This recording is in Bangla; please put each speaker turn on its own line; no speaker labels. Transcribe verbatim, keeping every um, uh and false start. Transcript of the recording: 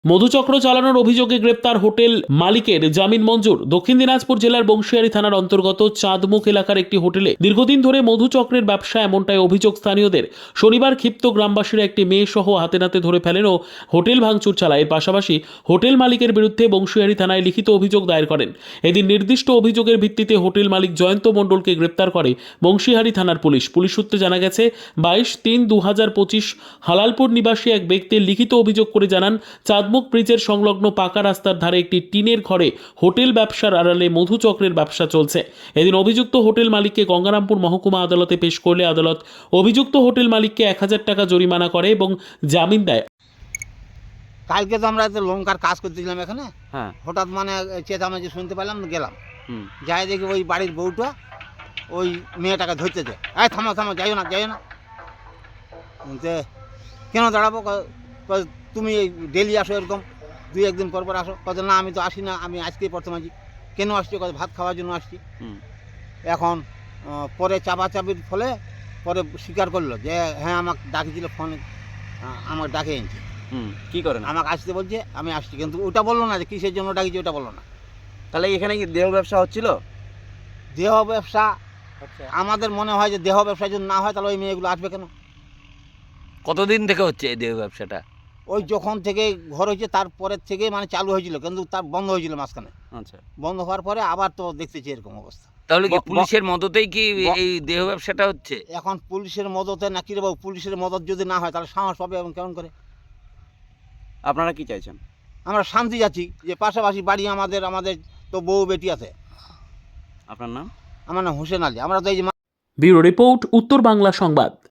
মধুচক্র চালানোর অভিযোগে গ্রেপ্তার হোটেল মালিকের জামিন মঞ্জুর। দক্ষিণ দিনাজপুর জেলার বংশিয়ারি থানার অন্তর্গত চাঁদমুখ এলাকার একটি হোটেলে দীর্ঘদিন ধরে মধুচক্রের ব্যবসা, এমনটাই অভিযোগ স্থানীয়দের। শনিবার ক্ষিপ্ত গ্রামবাসীরা একটি মেয়ে সহ হাতে নাতে ধরে ফেলেন ও হোটেল ভাঙচুর চালায়। এর পাশাপাশি হোটেল মালিকের বিরুদ্ধে বংশিয়ারি থানায় লিখিত অভিযোগ দায়ের করেন। এদিন নির্দিষ্ট অভিযোগের ভিত্তিতে হোটেল মালিক জয়ন্ত মণ্ডলকে গ্রেপ্তার করে বংশিয়ারি থানার পুলিশ। পুলিশ সূত্রে জানা গেছে, বাইশ তিন দু হাজার পঁচিশ হালালপুর নিবাসী এক ব্যক্তির লিখিত অভিযোগ করে জানান, চাঁদমুখ ব্রিজের সংলগ্ন পাকা রাস্তার ধারে একটি টিনের ঘরে হোটেল ব্যবসার আড়ালে মধুচক্রের ব্যবসা চলছে। এদিন অভিযুক্ত হোটেল মালিককে গঙ্গারামপুর মহকুমা আদালতে পেশ করলে আদালত অভিযুক্ত হোটেল মালিককে এক হাজার টাকা জরিমানা করে এবং জামিন দেয়।
কালকে তো আমরা লঙ্কার কাজ করতেছিলাম এখানে,
হ্যাঁ
হঠাৎ মানে চেঁচামেচি শুনতে পেলাম, গেলাম,
হুম
যাই দেখি ওই বাড়ির বউটা ওই মেয়েটাকে ধরতেছে, এই থামো থামো, যাইও না যাইও না। যে কেন দাঁড়াবো? ক- ক- তুমি ডেলি আসো এরকম, দুই একদিন পর পর আসো। কত না, আমি তো আসি না, আমি আজকেই প্রথম আসি। কেন আসছি? কত ভাত খাওয়ার জন্য আসছি।
হুম
এখন আহ, পরে চাপাচাপির ফলে পরে স্বীকার করলো যে হ্যাঁ আমাকে ডাকিছিল, ফোনে আমাকে ডাকে এনেছে,
হুম কি করেন?
আমাকে আসতে বলছে, আমি আসছি। কিন্তু ওটা বললো না যে কিসের জন্য ডাকিছে, ওটা বললো না।
তাহলে এখানে কি দেহ ব্যবসা হচ্ছিল?
দেহ ব্যবসা আমাদের মনে হয় যে দেহ ব্যবসা যদি না হয় তাহলে ওই মেয়েগুলো আসবে কেন?
কতদিন থেকে হচ্ছে এই দেহ ব্যবসাটা?
ওই যখন থেকে ঘর হয়েছে তারপরের থেকে মানে চালু হয়েছিল, কিন্তু তার বন্ধ হয়েছিল মাঝখানে।
আচ্ছা,
বন্ধ হওয়ার পরে আবার তো দেখতেছি এরকম অবস্থা।
তাহলে কি
ব- ব-
পুলিশের মদতেই কি
ব-
এই দেহ ব্যবসাটা হচ্ছে?
এখন পুলিশের মদতে না কি রে বাবু, পুলিশের মদত যদি না হয় তাহলে সাহস পাবে এবং কেমন করে?
আপনারা কি চাইছেন?
আমরা শান্তি যাচ্ছি, যে পাশাপাশি বাড়ি আমাদের, আমাদের তো বউ বেটি আছে।
আপনার নাম?
আমার নাম হোসেন আলী। আমরা তো এই যে
ব্যুরো রিপোর্ট, উত্তর বাংলা সংবাদ।